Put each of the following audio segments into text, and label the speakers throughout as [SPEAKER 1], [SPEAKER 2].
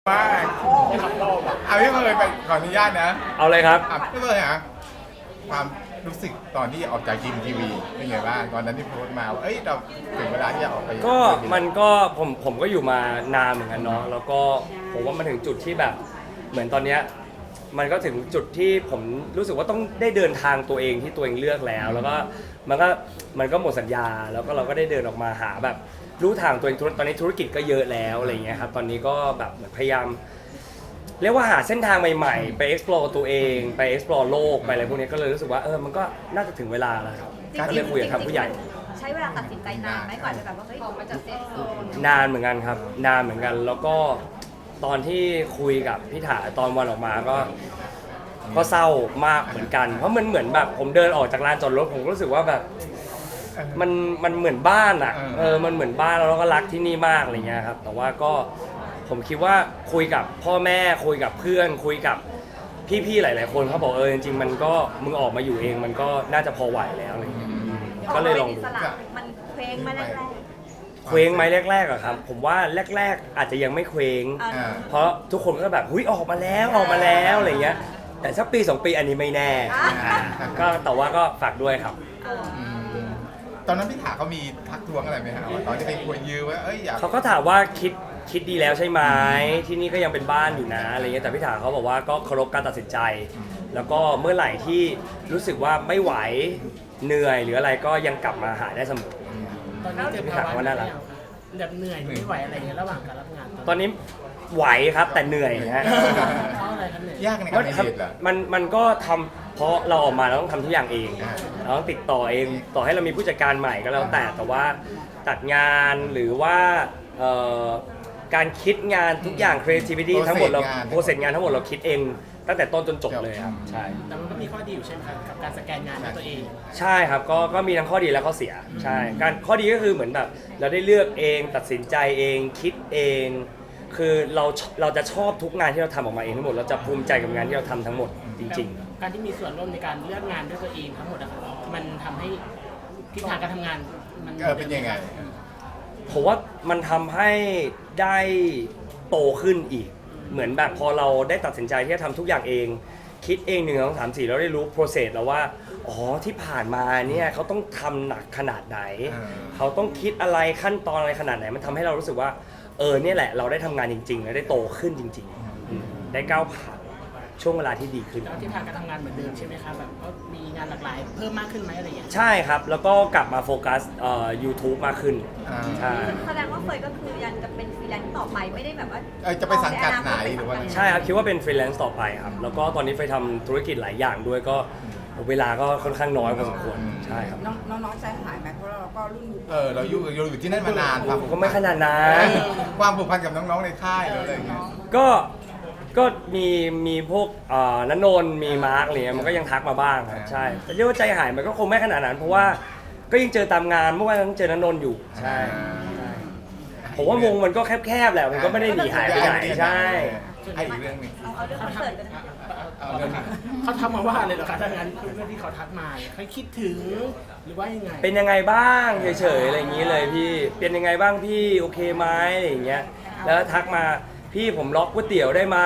[SPEAKER 1] ว่าเอาพี่เมย์ไปขออนุญาตนะ
[SPEAKER 2] เอาเลยครับ
[SPEAKER 1] พี่เมย์ฮะความรู้สึกตอนที่ออกจากจิมทีวีเป็นไงบ้างตอนนั้นที่โพสต์มาว่าเอ้ยเราถึงเวลาที่จะออกไป
[SPEAKER 2] ก็มันก็ผมก็อยู่มานานเหมือนกันเนาะแล้วก็ผมว่ามันถึงจุดที่แบบเหมือนตอนเนี้ยมันก็ถึงจุดที่ผมรู้สึกว่าต้องได้เดินทางตัวเองที่ตัวเองเลือกแล้วแล้วก็มันก็หมดสัญญาแล้วก็เราก็ได้เดินออกมาหาแบบรู้ทางตัวเองตอนนี้ธุรกิจก็เยอะแล้วอะไรเงี้ยครับตอนนี้ก็แบบเหมือนพยายามเรียกว่าหาเส้นทางใหม่ๆไป explore ตัวเองไป explore โลกไปอะไรพวกนี้ก็เลยรู้สึกว่ามันก็น่าจะถึงเวลาแล้วครับก็เลยคุยกับทางผู้ใหญ่
[SPEAKER 3] ใช้เวลาตัดสินใจนานไหมก่อนจะแบบว่าเฮ้ยออกมาจากเซฟโซน
[SPEAKER 2] นานเหมือนกันครับนานเหมือนกันแล้วก็ตอนที่คุยกับพี่ถาตอนวันออกมาก็เศร้ามากเหมือนกันเพราะมันเหมือนแบบผมเดินออกจากลานจอดรถผมก็รู้สึกว่าแบบมันเหมือนบ้านอ่ะมันเหมือนบ้านแล้วเราก็รักที่นี่มากอะไรเงี้ยครับแต่ว่าก็ผมคิดว่าคุยกับพ่อแม่คุยกับเพื่อนคุยกับพี่ๆหลายๆคนเขาบอกจริงๆมันก็มึงออกมาอยู่เองมันก็น่าจะพอไหวแล้วอะไรเงี้ยก็เลยลองดู
[SPEAKER 3] มันเคว้งมาแรก
[SPEAKER 2] เคว้งไหมแรกๆอะครับผมว่าแรกๆอาจจะยังไม่เคว้งเพราะทุกคนก็แบบหุ้ยออกมาแล้วอะไรเงี้ยแต่สักปี2 ปีอันนี้ไม่แน่ก็แต่ว่าก็ฝากด้วยครับ
[SPEAKER 1] ตอนนั้นพี่ถาเขามีทักท้วงอะไรไหมฮะตอนที่ไปคุยยืมว่าเอ้ยอยาก
[SPEAKER 2] เขาก็ถามว่าคิดดีแล้วใช่ไหมที่นี่ก็ยังเป็นบ้านอยู่นะอะไรเงี้ยแต่พี่ถาเขาบอกว่าก็เคารพการตัดสินใจแล้วก็เมื่อไหร่ที่รู้สึกว่าไม่ไหวเหนื่อยหรืออะไรก็ยังกลับมาหาได้เสมอ
[SPEAKER 4] ตอนนี้เจอภาวะน่ารักแบบเหนื่อยไม่ไหวอะไรเงี้ยระหว่างการรับงาน
[SPEAKER 2] ตอนนี้ไหวครับแต่เหนื่อยฮะ
[SPEAKER 4] เพราะอะไรครับเหนื่อย
[SPEAKER 1] ยากในการเรียนเหรอ
[SPEAKER 2] มันก็ทำเพราะเราออกมาเราต้องทำทุกอย่างเองเราต้องติดต่อเองต่อให้เรามีผู้จัดการใหม่ก็แล้วแต่ว่าตัดงานหรือว่าการคิดงานทุกอย่าง creativity ทั้งหมดเราโปรเซสงานทั้งหมดเราคิดเองตั้งแต่ต้นจนจบเลยครับใช่
[SPEAKER 4] แต่มันก็มีข้อดีอยู่ใช่ไหมครับกับการสแกนงานด้วยตัวเอง
[SPEAKER 2] ใช่ครับก็มีทั้งข้อดีและข้อเสียใช่การข้อดีก็คือเหมือนแบบเราได้เลือกเองตัดสินใจเองคิดเองคือเราจะชอบทุกงานที่เราทำออกมาเองทั้งหมดเราจะภูมิใจกับงานที่เราทำทั้งหมดจริง
[SPEAKER 4] ๆการที่มีส่วนร่วมในการเลือกงานด้วยตัวเองทั้งหมดอะมันทำให้ทิศทางการทำงานมัน
[SPEAKER 1] เป็นยังไง
[SPEAKER 2] ผมว่ามันทำให้ได้โตขึ้นอีกเหมือนแบบพอเราได้ตัดสินใจที่จะทำทุกอย่างเองคิดเอง1 2 3 4เราได้รู้ process แล้วว่าอ๋อที่ผ่านมาเนี่ยเขาต้องทำหนักขนาดไหนเขาต้องคิดอะไรขั้นตอนอะไรขนาดไหนมันทำให้เรารู้สึกว่าเนี่ยแหละเราได้ทำงานจริงๆและได้โตขึ้นจริงๆได้ก้าวผ่านช่วงเวลาที่ดีขึ้น
[SPEAKER 4] แล้วที่ทางการทำงานเหมือนเดิมใช่ไหมครับแบบก็มีงานหลากหลายเพิ่มมากขึ้นไหมอะไรอย่างเงี้ย
[SPEAKER 2] ใช่ครับแล้วก็กลับมาโฟกัสYouTube มากขึ้น
[SPEAKER 3] ใช่แสดงว่าเฟยก็คือยังจะเป็นฟรีแลนซ์ต่อไปไม่ได้แบบว่า
[SPEAKER 1] จะไปสังกัดไหนหรือว่า
[SPEAKER 2] ใช่ครับคิดว่าเป็นฟรีแลนซ์ต่อไปครับแล้วก็ตอนนี้ไปทำธุรกิจหลายอย่างด้วยก็เวลาก็ค่อนข้างน้อยพอสมควรใช่ครับ
[SPEAKER 5] น้องใจหายไหมเพราะเราก็รุ่น
[SPEAKER 1] เราอยู่ที่นั่นมานาน
[SPEAKER 2] ก็ไม่ขนาดนั้น
[SPEAKER 1] ความผูกพันกับน้องๆในค่ายอะไรอย่างเงี้ย
[SPEAKER 2] ก็มีพวกณนนท์มีมาร์คอะไรเงี้ยมันก็ยังทักมาบ้างครับใช่แต่เรียกว่าใจหายมันก็คงไม่ขนาดนั้นเพราะว่าก็ยังเจอตามงานเมื่อวานยังเจอณนนท์อยู่ใช่ผมว่าวงมันก็แคบๆแหละมันก็ไม่ได้หนีหายไปไหนใช่
[SPEAKER 1] อีกเรื่องนึง
[SPEAKER 3] เอาเรื่องคอนเสิร์ตกัน
[SPEAKER 4] เขาทักมาว่าอะไรเหรอคะถ้างั้นเรื่องที่เขาทักมาเขาคิดถึงหรือว่ายังไง
[SPEAKER 2] เป็นยังไงบ้างเฉยๆอะไรอย่างนี้เลยพี่เป็นยังไงบ้างพี่โอเคไหมอะไรอย่างเงี้ยแล้วทักมาพี่ผมล็อกก๋วยเตี๋ยวได้ไหม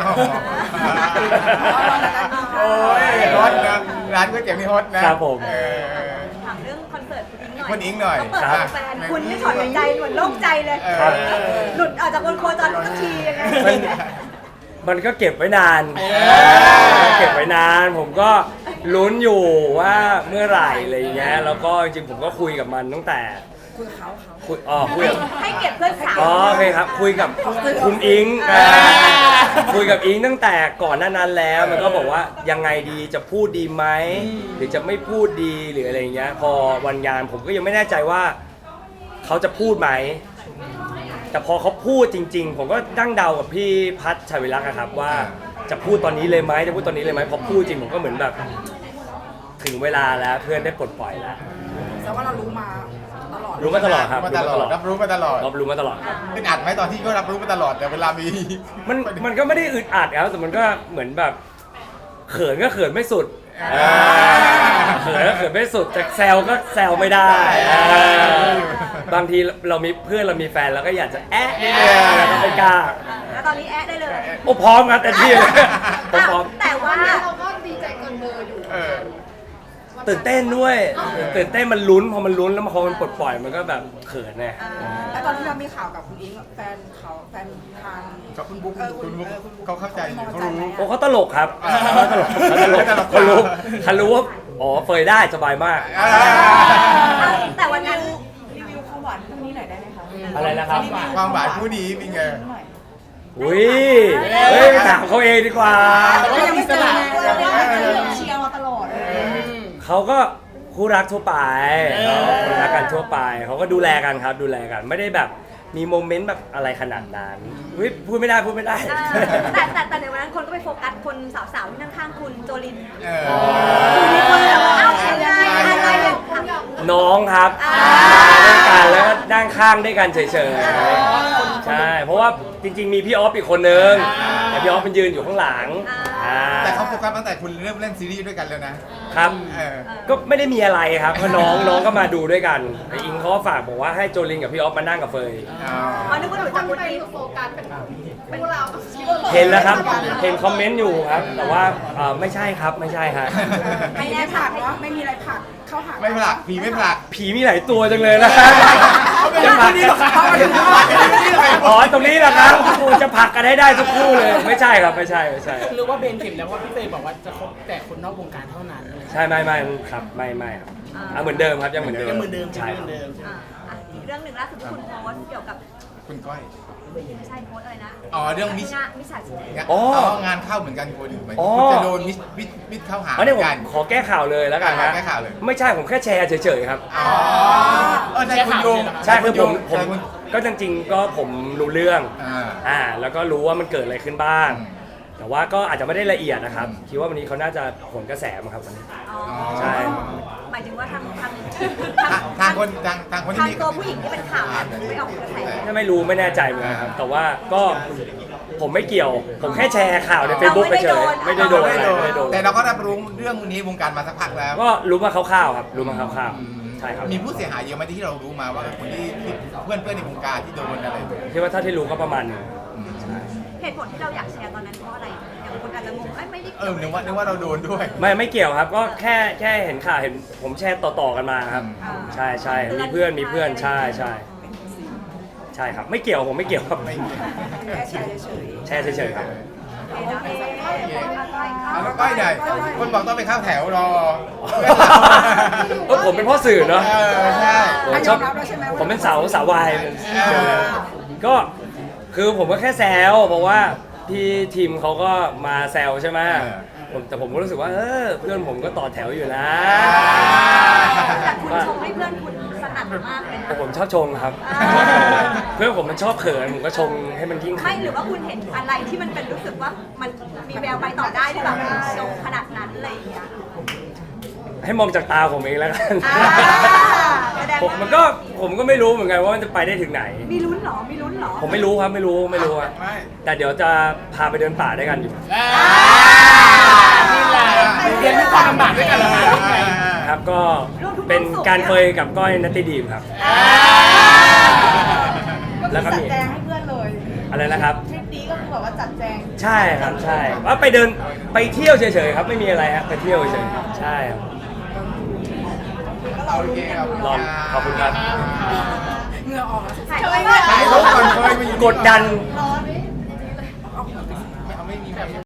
[SPEAKER 1] โอ้ยฮอตนะร้านก๋วยเตี๋ยวนี่ฮอตนะครับ
[SPEAKER 2] ผม
[SPEAKER 3] ถามเรื่องคอนเสิร์ตคุณอิงหน่อยเปิดแฟนคุณไม่ถอดใจเหมือนโล่งใจเลยหลุดออกจากบนโคจรทุกทียังไง
[SPEAKER 2] มันก็เก็บไว้นานผมก็ลุ้นอยู่ว่าเมื่อไหร่อะไรอย่างเงี้ยแล้วก็จริงๆผมก็คุยกับมันตั้งแต่คุย
[SPEAKER 3] ให้เก็บเพื่อนสาว
[SPEAKER 2] โอเคครับคุยกับคุณอิงคุยกับอิงตั้งแต่ก่อนหน้านั้นแล้วมันก็บอกว่ายังไงดีจะพูดดีไหมหรือจะไม่พูดดีหรืออะไรเงี้ยพอวันงานผมก็ยังไม่แน่ใจว่าเขาจะพูดไหมแต่พอเขาพูดจริงๆผมก็ตั้งเดากับพี่พัชชัยวิรักษ์ครับว่าจะพูดตอนนี้เลยไหมพอพูดจริงผมก็เหมือนแบบถึงเวลาแล้วเพื่อนได้ปลดปล่อยแล้ว
[SPEAKER 5] แต่ว่าเรารู้มา
[SPEAKER 2] ตลอดครับ
[SPEAKER 1] รับรู้มาตลอด
[SPEAKER 2] เป็
[SPEAKER 1] นอัดไหมตอนที่ก็รับรู้มาตลอดแต่เวลามี
[SPEAKER 2] มันก็ไม่ได้อึดอัดครับแต่มันก็เหมือนแบบเขินก็เขินไม่สุดเขินไม่สุดแต่แซวก็แซวไม่ได้บางทีเรามีเพื่อนเรามีแฟนแล้วก็อยากจะนิดนึงแล้วก็ไม่กล้า
[SPEAKER 3] ตอนนี้แอะได้เลย
[SPEAKER 2] โอ้พร้อมครับแต่ที่เลยผมพร้อม
[SPEAKER 3] แต่ว่า
[SPEAKER 6] เราก็ดีใจเกินเบอร์อยู่
[SPEAKER 1] เออ
[SPEAKER 2] ตื่นเต้นด้วยตื่นเต้นมันลุ้นพอมันลุ้นแล้วพอมันปลดปล่อยมันก็แบบเขินไง
[SPEAKER 5] แล้วตอนที่เรามีข่าวกับคุณอิงแฟนทาง
[SPEAKER 1] กับคุณบุ๊กคุณบุ๊ก
[SPEAKER 5] คุณบุ๊ก
[SPEAKER 1] เขาเข้าใจอยู่เขารู้
[SPEAKER 2] โอ้เขาตลกครับเขาตลกเขารู้ว่าอ๋อเฟยได้สบายมาก
[SPEAKER 3] แต่วันนั้น
[SPEAKER 5] รีวิวความหวานคู่นี้หน่อยได้ไหมคะ
[SPEAKER 2] อะไรนะครับ
[SPEAKER 1] ความหวานคู่นี้เป็นไง
[SPEAKER 2] อุ้ยเฮ้ยไปถามเขาเองดีกว่า
[SPEAKER 4] แต่ว่ายังมีสนาม
[SPEAKER 5] เชียร์มาตลอด
[SPEAKER 2] เขาก็คู่รักทั่วไปคู่รักกันทั่วไปเขาก็ดูแลกันครับดูแลกันไม่ได้แบบมีโมเมนต์แบบอะไรขนาดนั้นอุ๊ยพูดไม่ได้
[SPEAKER 3] แต่ในวันนั้นคนก็ไปโฟกัสคนสาวๆที่นั่งข้างคุณโจลิน
[SPEAKER 1] เออ
[SPEAKER 3] มีคนแบบว่าเอ้ายังไงอะไรอย่าง
[SPEAKER 2] น้องครับด้วยกันแล้วก็ด้านข้างด้วยกันเฉยๆใช่เพราะว่าจริงๆมีพี่ออฟอีกคนนึงแต่พี่ออฟมันยืนอยู่ข้างหลัง
[SPEAKER 1] แต่เขาโฟกัสตั้งแต่คุณเริ่มเล่นซีรีส์ด้วยกันแล้วนะครับ เออ
[SPEAKER 2] ก็ไม่ได้มีอะไรครับเพราะน้องก็มาดูด้วยกันไออิงเขาก็ฝากบอกว่าให้โจลินกับพี่ออฟมานั่งกับเฟย
[SPEAKER 3] อ๋อนึกว่าหนู
[SPEAKER 6] ค
[SPEAKER 3] จะ
[SPEAKER 6] น
[SPEAKER 3] คุณ
[SPEAKER 6] ไป
[SPEAKER 3] อิน
[SPEAKER 6] โฟกัสเป็นคู่เรา
[SPEAKER 2] เห็นแล้วครับเห็นคอมเมนต์อยู่ครับ แต่ว่าไม่ใช่ครับไม่ใช่ฮะ
[SPEAKER 5] ไม่ได้ผลักว่าไม่มีอะไรผลักเข้าหา
[SPEAKER 1] ไม่ผลักผีไม่ผลัก
[SPEAKER 2] ผีมีหลายตัวจังเลยนะจะผลักกันอ๋อตรงนี้แหละครับกูจะผลักกันให้ได้ทุกคู่เลยไม่ใช่ครับไม่ใช่
[SPEAKER 4] หรือว่าเบนเข็มแล้วว่าพี่เฟย์บอกว่าจะคบแต่คนนอกวงการเท่านั้นอะไร
[SPEAKER 2] ใช่ไม่ครับไม่ครับเหมือนเดิมครับยังเหมือนเดิม
[SPEAKER 4] ยังเหมือนเดิม
[SPEAKER 2] ใช่
[SPEAKER 4] ยังเหมือนเดิม
[SPEAKER 3] อีกเรื่องหนึ่งล่าสุดที่คุณโพสต์เกี่ยวกับ
[SPEAKER 1] คุณก้อย
[SPEAKER 3] ไม่ใช่โพสต์อะไรนะ
[SPEAKER 1] อ๋อเรื่องมิช
[SPEAKER 3] มิจฉาชีพ
[SPEAKER 1] งานเข้าเหมือนกันคนหมาย
[SPEAKER 2] อ๋อ
[SPEAKER 1] คุณจะโดนมิชเข้าหา
[SPEAKER 2] อันนี้ผม
[SPEAKER 1] กัน
[SPEAKER 2] ขอแก้ข่าวเลยแล้วกันนะ
[SPEAKER 1] แก้ข่าวเลย
[SPEAKER 2] ไม่ใช่ผมแค่แชร์เฉยๆครับ
[SPEAKER 1] อ๋อใช่คุณโยง
[SPEAKER 2] ใช่คือผม
[SPEAKER 1] ใช่คุณ
[SPEAKER 2] ก็จริงๆก็ผมรู้เรื่อง
[SPEAKER 1] อ่า
[SPEAKER 2] แล้วก็รู้ว่ามันเกิดอะไรขึ้นบ้าง
[SPEAKER 1] อืม
[SPEAKER 2] แต่ว่าก็อาจจะไม่ได้ละเอียดนะครับ คิดว่าวันนี้เขาน่าจะผลกระแสมั้งครับวันนี้
[SPEAKER 3] อ๋อ
[SPEAKER 2] ใช่
[SPEAKER 3] หมายถึงว่าทาง
[SPEAKER 1] ทางคนที่มี
[SPEAKER 3] ตัวผู้หญิงที่เป็นข่าวไม่ออกกระแส
[SPEAKER 2] ถ้าไม่รู้ไม่แน่ใจเหมือนกันครับ แต่ว่าก็ผมไม่เกี่ยว ผมแค่แชร์ข่าวใน Facebook เฉยๆไม่ได้โดนอะไรไม่ได้โดน
[SPEAKER 1] แต่เราก็รับรู้เรื่องนี้วงการมาสักพักแล้ว
[SPEAKER 2] ก็รู้มาคร่าวๆครับรู้มาคร่าวๆใช่ครับ
[SPEAKER 1] มีผู้เสียหายเยอะไหมที่เรารู้มาว่าคนที่เพื่อนในวงการที่โดนอะไร
[SPEAKER 2] คิดว่าถ้าที่รู้ก็ประมาณหนึงใช่
[SPEAKER 3] เหตุผลที่เราอยากแชร์ตอนนั้นเพราะอะไรอย่างคนอาจจะงงไม่ได้
[SPEAKER 1] นึกว่าเราโดนด้วย
[SPEAKER 2] ไม่เกี่ยวครับก็แค่เห็นข่าวเห็นผมแชร์ต่อๆกันมาครับ ใช่มีเพื่อนใช่ครับไม่เกี่ยวผมไม่เกี่ยวครับ
[SPEAKER 1] ไม่เกี่ยว
[SPEAKER 5] แค่แชร์เฉย
[SPEAKER 2] แชร์เฉยๆครับ
[SPEAKER 1] แล้วก้อยใหญ่คนบอกต้องไปเข้าแถวรอ
[SPEAKER 2] ผมเป็นพ่อสื่อเนาะ
[SPEAKER 1] ใช่
[SPEAKER 2] ผมชอบผมเป็นสาววายก็คือผมก็แค่แซวเพราะว่าพี่ทีมเขาก็มาแซวใช่ไหมแต่ผมก็รู้สึกว่าเพื่อนผมก็ต่อแถวอยู่นะ
[SPEAKER 3] แต่คุณชมให้เพื่อนคุณสนั่นมากเลยนะ
[SPEAKER 2] ผมชอบชงครับ เพื่อนผมมันชอบเขินผมก็ชงให้มันยิ่ง
[SPEAKER 3] ไม่หรือว่าคุณเห็นอะไรที่มันเป็นรู้สึกว่ามันมีแววไปต่อได้หรือเปล่าชมขนาดนั้นอะไรอย่างเงี้ย
[SPEAKER 2] ให้มองจากตาผมเองแล้วกัน
[SPEAKER 3] แสดง
[SPEAKER 2] ผม
[SPEAKER 3] ว่า
[SPEAKER 2] ผมก็ไม่รู้เหมือนกันว่ามันจะไปได้ถึงไหน
[SPEAKER 3] มีลุ้นเหรอมีลุ้นเหรอ
[SPEAKER 2] ผมไม่รู้ครับไม่รู้อะ
[SPEAKER 1] ไม่
[SPEAKER 2] แต่เดี๋ยวจะพาไปเดินป่าด้วยกันอยู่
[SPEAKER 4] นี่แหละเรียนรู้ความลำบากด้วยกันแล้วนะครับ
[SPEAKER 2] ก็เป็นการเฟยกับก้อยนัตติดีมครับ
[SPEAKER 5] ๆ
[SPEAKER 2] แล้วก็
[SPEAKER 5] จัด
[SPEAKER 2] มี
[SPEAKER 5] แจงให้เพื่อนเลย
[SPEAKER 2] อะไรนะครับ
[SPEAKER 5] ทริปนี้ก็คือแบบว่าจัดแจง
[SPEAKER 2] ใช่ครับใช่ว่าไปเดินไปเที่ยวเฉยๆครับไม่มีอะไรฮะไปเที่ยวเฉยๆใช่ครับ
[SPEAKER 1] โอเคครับ
[SPEAKER 2] รอขอบคุณครับ
[SPEAKER 5] เหงื่อออกแล้ว
[SPEAKER 3] ถ่าย
[SPEAKER 1] ถ่ายรูปก่อนเคยมาอยู่
[SPEAKER 2] กดดัน
[SPEAKER 3] ร้อน
[SPEAKER 1] ไม่มีแบบ